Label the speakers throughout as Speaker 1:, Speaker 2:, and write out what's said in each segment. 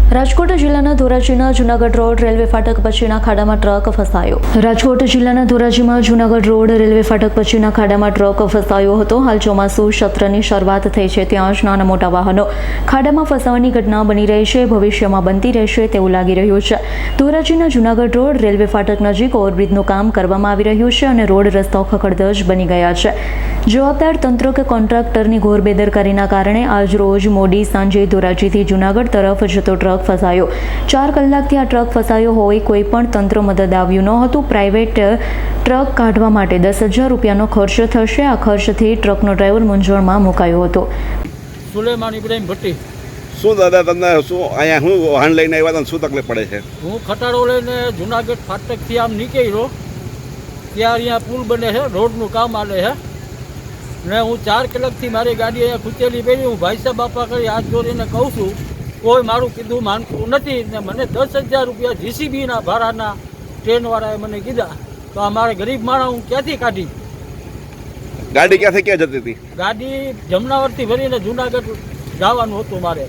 Speaker 1: રાજકોટ જિલ્લાના ધોરાજીના Junagadh road railway ફાટક પછીના ખાડામાં ટ્રક ફસાયો. રાજકોટ જિલ્લાના ધોરાજીમાં જૂનાગઢ રોડ રેલવે ફાટક પછીના ખાડામાં ટ્રક ફસાયો હતો. હાલ ચોમાસુ સત્રની શરૂઆત થઈ છે, ત્યાં જ નાના મોટા વાહનો ખાડામાં ફસાવાની ઘટના બની રહી છે. ભવિષ્યમાં બનતી રહેશે તેવું લાગી રહ્યું છે. ધોરાજીના જૂનાગઢ રોડ રેલવે ફાટક નજીક ઓવરબ્રિજનું કામ કરવામાં આવી રહ્યું છે અને રોડ રસ્તાઓ ખખડધજ બની ગયા છે. જવાબદાર તંત્ર કે કોન્ટ્રાક્ટરની ઘોર બેદરકારીના કારણે આજ રોજ મોડી સાંજે ધોરાજીથી જૂનાગઢ તરફ જતો ટ્રક ફસાયો. 4 કલાકથી આ ટ્રક ફસાયો હોય કોઈ પણ તંત્ર મદદ આવ્યું ન હતું. પ્રાઇવેટ ટ્રક કાઢવા માટે 10,000 રૂપિયાનો ખર્ચ થશે. આ ખર્ચથી ટ્રકનો ડ્રાઈવર મૂંઝવણમાં મુકાયો હતો.
Speaker 2: સુલેમાન ઇબ્રાહીમ ભટ્ટી.
Speaker 3: શું દાદા તમને શું અહીંયા હું વાહન લઈને આવ્યા હતા, શું તકલીફ પડે છે?
Speaker 2: હું ખટાડો લઈને જુનાગઢ ફાટકથી આમ નીકળ્યો ત્યાં અહીંયા પુલ બને છે, રોડનું કામ ચાલે છે ને હું 4 કલાકથી મારી ગાડી અહીંયા ખૂંચેલી પડી. હું ભાઈ સાહેબ બાપા કરી હાથ જોડીને કહું છું, કોઈ મારું કીધું માનતું નથી ને મને 10,000 રૂપિયા જીસીબીના ભાડાના ટ્રેનવાળાએ મને કીધા. તો આ મારે ગરીબ માણસ હું ક્યાંથી કાઢી?
Speaker 3: ગાડી ક્યાંથી ક્યાં જતી હતી?
Speaker 2: ગાડી જમનાવરથી ભરીને જુનાગઢ જવાનું હતું મારે.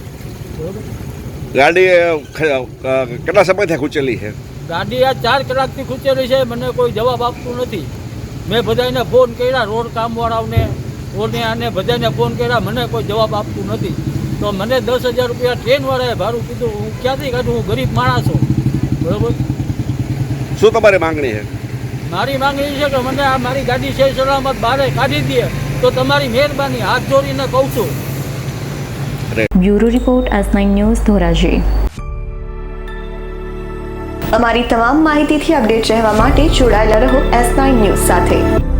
Speaker 3: ગાડી કેટલા સમયથી ખૂંચેલી છે?
Speaker 2: ગાડી આ 4 કલાકથી ખૂંચેલી છે, મને કોઈ જવાબ આપતું નથી. મેં બધાને ફોન કર્યા, રોડ કામવાળાઓને આને બધાને ફોન કર્યા, મને કોઈ જવાબ આપતું નથી. તો મને 10,000 રૂપિયા ટ્રેનવાળાએ ભાડું કીધું, હું ક્યાંથી કાઢું? હું ગરીબ માણસ છું, બરાબર.
Speaker 3: શું તમારી માંગણી છે?
Speaker 2: મારી માંગણી છે કે મને આ મારી ગાડી છે સલામત બહાર કાઢી દે તો તમારી મહેરબાની, હાથ જોડીને કહું છું.
Speaker 1: Bureau report S9 news Dhoraji.
Speaker 4: અમારી તમામ માહિતીથી અપડેટ રહેવા માટે જોડાયેલા રહો S9 ન્યૂઝ સાથે.